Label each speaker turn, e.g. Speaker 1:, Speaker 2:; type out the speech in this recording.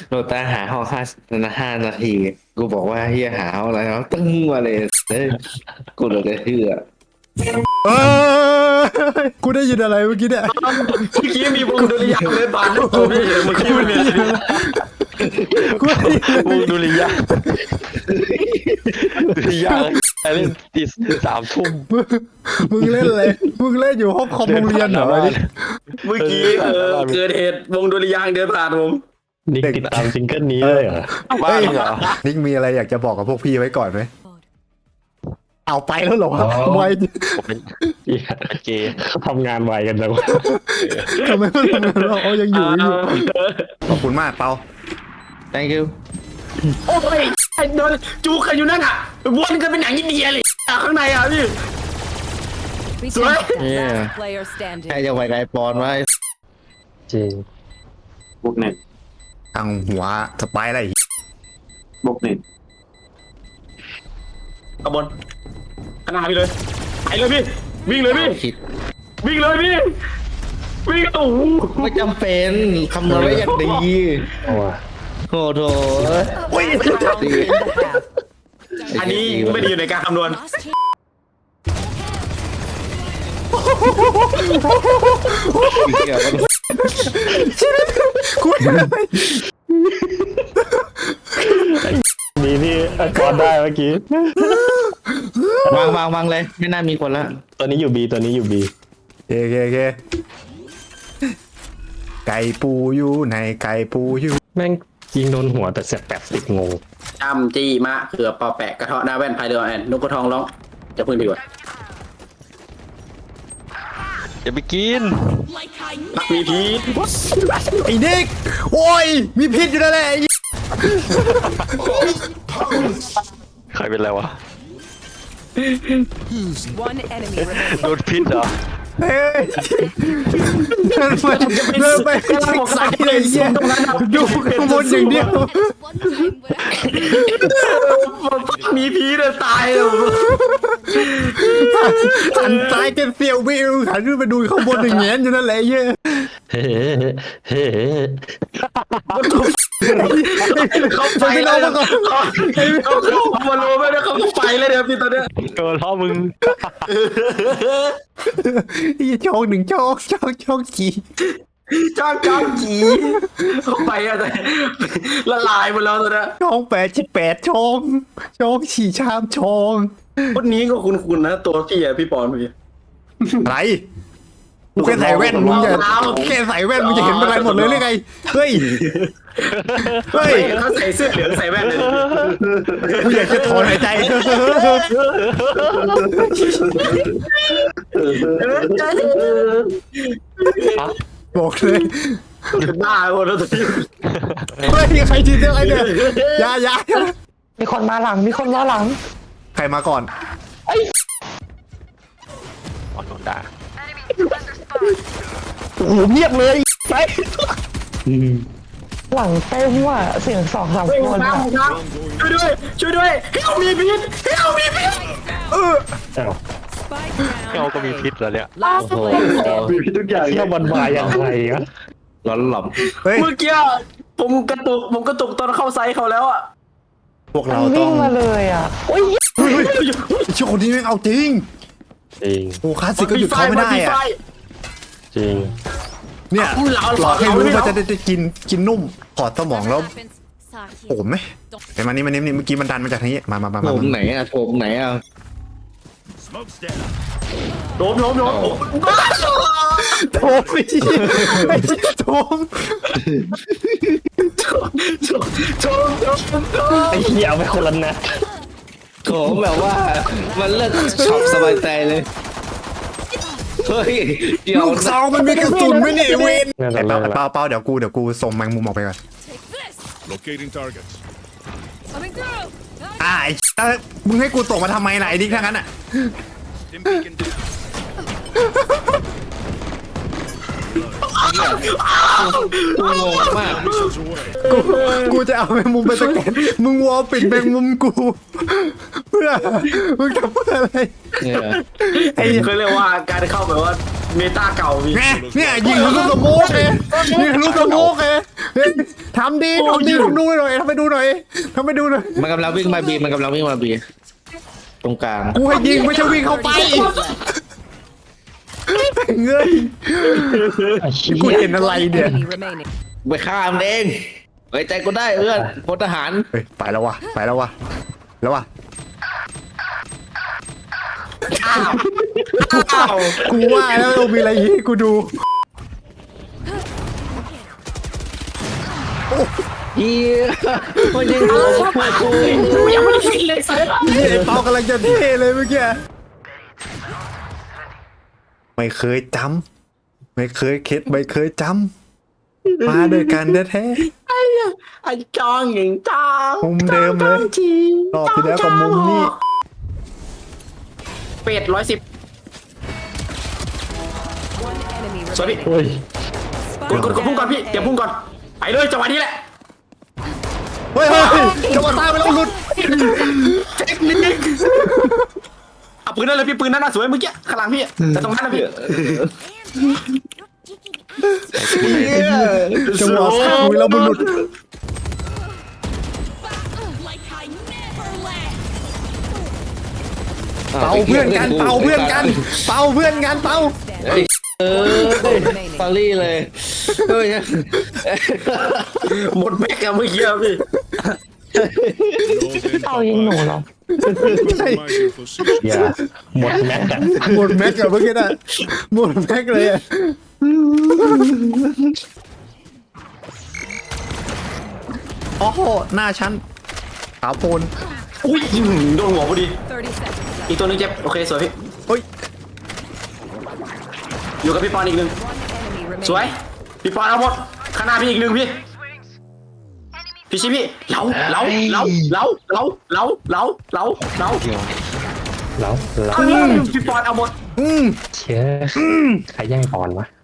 Speaker 1: โรตาหาห้อง5 นาทีกูบอกว่าเฮียหาห้องอะไรแล้วตึ้งมาเลยเฮ้ยกูเลยจะเชื่อ
Speaker 2: เอกูได้ยินอะไรเมื่อกี้เนี่ย
Speaker 3: เมื่อกี้มีวงดุริยางค์เดินผ่านหน้าผมพี่เมื่อกี้มันมี
Speaker 2: กูได้ยินอะไร
Speaker 4: วงดุริยางค์ดุริยางค์ไอ้เล่นตี3 ทุ่ม
Speaker 2: มึงเล่นอะไรมึงเล่นอยู่ห้องคอมโรงเรียนเหรอวะนี่
Speaker 3: เมื่อกี้เกิดเหตุวงดุริยางค์เดินผ่านผม
Speaker 4: นิกติดตามซิงเกิลนี้เลยเหรอบ้าเหรอ
Speaker 2: นิกมีอะไรอยากจะบอกกับพวกพี่ไว้ก่อนไหมเอาไปแล้วเหรอวะทำไม
Speaker 4: ผมเป็นเกย์ทำงานไวกันจังวะ
Speaker 2: ทำไมมันทำงานเราเอายังอยู่ขอบคุณมากเปา
Speaker 1: thank you
Speaker 3: โอ้ยไอ้โดนจูกันอยู่นั่นอ่ะวนกันเป็นหนังอินเดียเลยข้างในอ่ะพี่
Speaker 1: Yeah.
Speaker 5: Last player
Speaker 1: ใคร
Speaker 5: standing.
Speaker 1: จะไว้ไกลปอนไว้
Speaker 4: จริง
Speaker 3: บวกหนึ่ง
Speaker 2: ทางหัวสไปร์อะไร
Speaker 3: บวกหนึ่งขบวนขนาดพี่เลยไปเลยพี่วิ่งเลยพี่
Speaker 1: คิด
Speaker 3: วิ่งเลยพี่วิ่งโอ้โห
Speaker 1: ไม่จำเป็นคำนวณไว้อย่างดี
Speaker 4: เอาว่ะ
Speaker 1: โอ้โห
Speaker 5: Round in the half.
Speaker 3: อันนี้ไม่ได้อยู่ในการคำนวณ
Speaker 5: Last team.
Speaker 1: เกี่ยวกับ
Speaker 2: กูอะไร
Speaker 4: นี่ที่กอดได้เมื่อกี้
Speaker 1: วางเลยไม่น่ามีคนละ
Speaker 4: ตัวนี้อยู่บีตัวนี้อยู่บี
Speaker 2: เคไก่ปูอยู่ในไก่ปูอยู่
Speaker 4: แม่งยิงโดนหัวแต่เสียบ80 งง
Speaker 3: จำจี้มะเขือปอแปะกระเทาะหน้าแว่นพายเรือแอนนกกระทองร้องจะพึ่งดีกว่า
Speaker 4: อย่าไปกิน
Speaker 3: พักมีพีท
Speaker 2: ไอ้นิกโอ้ยมีพิษอยู่นั่นแหละไอ้
Speaker 4: ใครเป็นไรวะ
Speaker 5: One enemy remaining.
Speaker 4: โดนพิษเหรอ
Speaker 2: เฮ้ยเดินไปชิกใส่เลยเหี้ยดูข้างบนอย่างเดียว
Speaker 3: มีพีทตายเลย
Speaker 2: หันซ้ายกันเสียววิวหันขึ้นไปดูข้างบนอย่างเงี้ยอยู่นั่นแหละไอ้เหี้ย
Speaker 4: เฮ้เฮ้
Speaker 3: เขาไป
Speaker 2: ไป
Speaker 3: แล้ว
Speaker 2: น้องมาก่อน
Speaker 3: เขามาโลไม่ได้เขาไปเลยเดี๋ยวพี่ตอนเนี้ย
Speaker 4: โดนล้อมึง
Speaker 2: ไอ้ช่องหนึ่งช่องจี
Speaker 3: จ้างจีเขาไปอะไรละลายหมดแล้วตอนเนี้ย
Speaker 2: ช่อง88ช่องฉี่ชามช่อง
Speaker 3: คนนี้ก็คุ้นๆนะตัวพี่อะพี่ปอนพี่
Speaker 2: อะไรกูแค่ใส่แว่นมึงจะแค่ใส่แว่นมึงจะเห็นเป็นไรหมดเลยหรือไงเฮ้ย
Speaker 3: เขาใส่เสื้อเหลืองใส่แว่นเลย
Speaker 2: กูอยากจะถอนหายใจบอกเลย
Speaker 3: เป็นบ้าหมดแล้วตอนนี้
Speaker 2: เฮ้ยใครจีเรื่องอะไรเนี่ยยา
Speaker 4: มีคนมาหลังมีคนมาหลัง
Speaker 2: ใครมาก่อน
Speaker 4: อ๋อโดนด่าโอ้โหเงียบเลยไปหลังเต็มว่ะเสียง2-3 คนอ่ะ
Speaker 3: ช่วยด้วยให้เอามีพิษให้เอามีพิษ
Speaker 5: Spike
Speaker 4: เรา
Speaker 5: down.
Speaker 4: ก็มีพิษแล้วเนี่ย
Speaker 5: Last player standing.
Speaker 3: มีพิษทุกอย่าง
Speaker 4: เที่ยวมันมาอย่างไรอะ
Speaker 1: ร้อนหล่อม
Speaker 2: เฮ้ย
Speaker 3: เมื่อกี้ผมกระตุกตอนเข้าไซส์เขาแล้วอ่ะ
Speaker 2: พวกเราต้อง
Speaker 4: มาเลยอ่ะ
Speaker 2: เฮ้ยช่วงนี้แม่งเอาจริง
Speaker 4: จริง
Speaker 2: โอ้คลาสสิกก็หยุดเขาไม่ได้อะ
Speaker 4: จริง
Speaker 2: เนี่ยหลอกให้รู้ว่าจะได้กินนุ่มถอดสมองแล้วโผมไหมไอ้มานี่เมื่อกี้มันดันมาจากทางนี้มา
Speaker 1: โถมไหนอะโถมไหนอะ
Speaker 3: โดม
Speaker 2: โถมไม่โถม
Speaker 4: ไอ้เหี้ยเอาไปคนละนัด
Speaker 1: โถมแบบว่ามันเลิกช็อปสบายใจเลยเฮ้ยเดี๋ยว
Speaker 2: ลูกซองมันมีกระสุนไหมเนี่ยไอ้เวน
Speaker 4: นั่นแหละ
Speaker 2: เปล่าเดี๋ยวกูส่งแมงมุมออกไปก่อน
Speaker 6: Locating targets.
Speaker 5: Coming through.
Speaker 2: ไอ้มึงให้กูส่งมาทำไมล่ะไอ้ดิ๊กทั้งนั้นอ่ะ
Speaker 6: Dim beacon down.
Speaker 1: กูงงมาก
Speaker 6: Missiles away.
Speaker 2: กูจะเอาแมงมุมไปสแกนมึงวอลปิดแมงมุมกูเพื่อมึงทำเพื่ออะไร
Speaker 1: เนี่ย
Speaker 2: ไอ้
Speaker 3: เขาเรียกว่าการเข้าแบบว่าเมตาเก่าพี่
Speaker 2: ไงเนี่ยยิงทะลุสโมกเลยยิงทะลุสโมกเลยเฮ้ยทำดีทำดูหน่อยทำไปดูหน่อย
Speaker 1: มันกำลังวิ่งมาบีมันกำลังวิ่งมาบีตรงกลาง
Speaker 2: กูให้ยิงไม่ใช่วิ่งเข้าไปเงยกูเห็นอะไรเนี่ย
Speaker 5: Enemy remaining.
Speaker 1: ไปฆ่ามันเองไว้ใจกูได้เอื้อนพลทหาร
Speaker 2: เฮ้ยไปแล้ววะแล้ววะ
Speaker 3: อ้าว
Speaker 2: กูว่าแล้วต้องมีอะไรให้กูดู
Speaker 1: เฮียมันยิงหัวกู
Speaker 3: กูยังไม่ได้คิดเลยสัส
Speaker 2: ไอ้เปากำลังจะเท่เลยเมื่อกี้ไม่เคยจำไม่เคยคิดไม่เคยจำมาด้วยกันแท้
Speaker 3: ไอ้จองอย่างจอง
Speaker 2: มุมเดิมเลยรอบที่แล้วกับมุมนี้
Speaker 3: เป็ด110
Speaker 5: One enemy
Speaker 3: สวยพี่
Speaker 5: remaining.
Speaker 4: เฮ้ย
Speaker 3: กดพุ่งก่อนพี่เดี๋ยวพุ่งก่อนไปเลยจังหวะนี้แหละ
Speaker 2: เฮ้ยจังหวะตายไปแล้วหลุด
Speaker 3: เทคนิคเอาปืนนั่นเลยพี่ปืนนั่นน่ะสวยเมื่อกี้ข้างหลังพี่แต่ตรงนั้นนะพี่
Speaker 2: จังหวะสักมือแล้วมันหลุด เป่าเพื่อนกันเป่า
Speaker 1: เฮ้ยฟารี่เลยเฮ้ย
Speaker 3: หมดแม็กอะเมื่อกี้อะพี่
Speaker 6: เอายิงหนูเหรอ Compromise your position.
Speaker 4: อย่าหมดแม็กซ์อะ
Speaker 2: หมดแม็กอะเมื่อกี้น่ะหมดแม็กเลยอะโอ้โหหน้าฉันขาวโพลน
Speaker 3: อุ้ยโดนหัวพอดี
Speaker 5: 30 seconds.
Speaker 3: อีกตัวหนึงเจ็บโอเคสวยพี่
Speaker 2: เฮ้ย
Speaker 3: อยู่กับพี่ปอนอีกหนึ่ง
Speaker 5: Enemy remaining.
Speaker 3: สวยพี่ปอนเอาหมดข้างหน้าพี่อีกหนึ่งพี่พี่ชิพี่เหลา
Speaker 4: แล้ว
Speaker 3: พี่ปอนเอาหมด
Speaker 4: เชื่อใครแย่งก่อนวะ